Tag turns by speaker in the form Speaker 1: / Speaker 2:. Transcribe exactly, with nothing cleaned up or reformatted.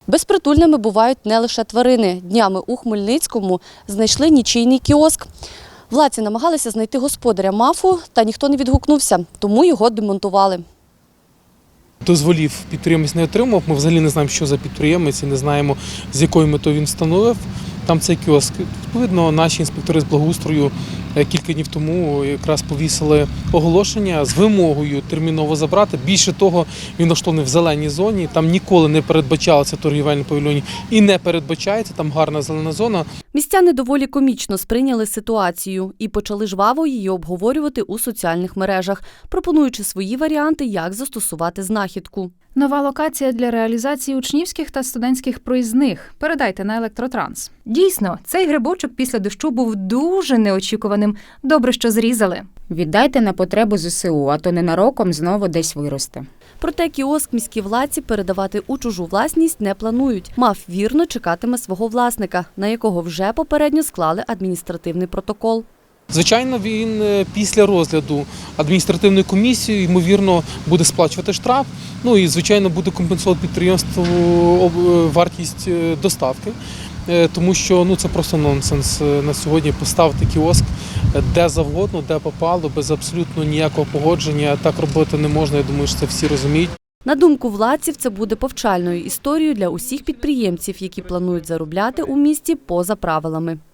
Speaker 1: Безпритульними бувають не лише тварини. Днями у Хмельницькому знайшли нічийний кіоск. Владці намагалися знайти господаря МАФу, та ніхто не відгукнувся, тому його демонтували.
Speaker 2: Дозволів підприємець не отримав, ми взагалі не знаємо, що за підприємець і не знаємо, з якою метою він встановив там цей кіоск. Відповідно, наші інспектори з благоустрою кілька днів тому якраз повісили оголошення з вимогою терміново забрати. Більше того, він влаштований в зеленій зоні, там ніколи не передбачалося торгівельні павільйоні і не передбачається, там гарна зелена зона.
Speaker 1: Містяни доволі комічно сприйняли ситуацію і почали жваво її обговорювати у соціальних мережах, пропонуючи свої варіанти, як застосувати знахідку.
Speaker 3: Нова локація для реалізації учнівських та студентських проїзних. Передайте на електротранс.
Speaker 4: Дійсно, цей грибочок після дощу був дуже неочікуваним. Добре, що зрізали.
Speaker 5: Віддайте на потребу зе се у, а то ненароком знову десь виросте.
Speaker 1: Проте кіоск міські владці передавати у чужу власність не планують. МАФ вірно чекатиме свого власника, на якого вже попередньо склали адміністративний протокол.
Speaker 2: Звичайно, він після розгляду адміністративної комісії, ймовірно, буде сплачувати штраф, ну і, звичайно, буде компенсувати підприємству вартість доставки, тому що ну, це просто нонсенс на сьогодні поставити кіоск де завгодно, де попало, без абсолютно ніякого погодження. Так робити не можна, я думаю, що це всі розуміють.
Speaker 1: На думку владців, це буде повчальною історією для усіх підприємців, які планують заробляти у місті поза правилами.